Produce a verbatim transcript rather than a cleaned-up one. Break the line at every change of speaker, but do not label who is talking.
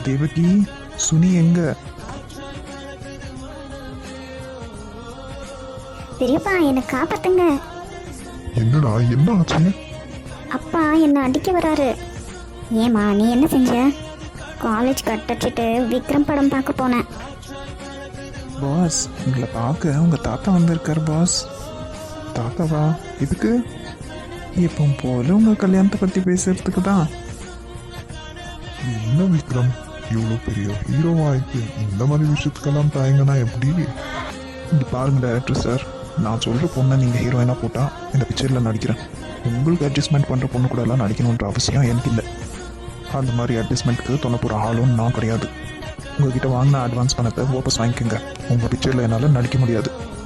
தேவகி, சுனி எங்க?
பெரியப்பா என்னை காப்பாத்துங்க.
என்னடா என்ன ஆச்சு?
அப்பா என்னை அடிக்க வராரு. ஏமா நீ என்ன செஞ்ச? காலேஜ் கட் அடிச்சுட்டு விக்ரம் படம் பார்க்க போனேன்.
பாஸ், உங்களை பார்க்க உங்க தாத்தா வந்திருக்காரு பாஸ். தாத்தாவா? இதுக்கு? இப்போ போல உங்க கல்யாணத்தை பத்தி பேசுறதுக்கு தான்.
என்ன விக்ரம், இவ்வளோ பெரிய ஹீரோவாயிட்டு இந்த மாதிரி விஷயத்துக்கெல்லாம் தாயங்கன்னா எப்படி?
இங்க பாருங்க டைரக்டர் சார், நான் சொல்ற பொண்ணை நீங்க ஹீரோயினா போட்டா இந்த பிக்சர்ல நடிக்கிறேன். உங்களுக்கு அட்ஜஸ்ட்மெண்ட் பண்ற பொண்ணு கூட எல்லாம் நடிக்கணுன்ற அவசியம் எனக்கு இல்லை. அந்த மாதிரி அட்ஜஸ்ட்மெண்ட்டுக்கு தொண்ண போகிற ஆளும் நான் கிடையாது. உங்ககிட்ட வாங்கின அட்வான்ஸ் பணத்தை வாபஸ் வாங்கிக்கோங்க. உங்கள் பிக்சரில் என்னால் நடிக்க முடியாது.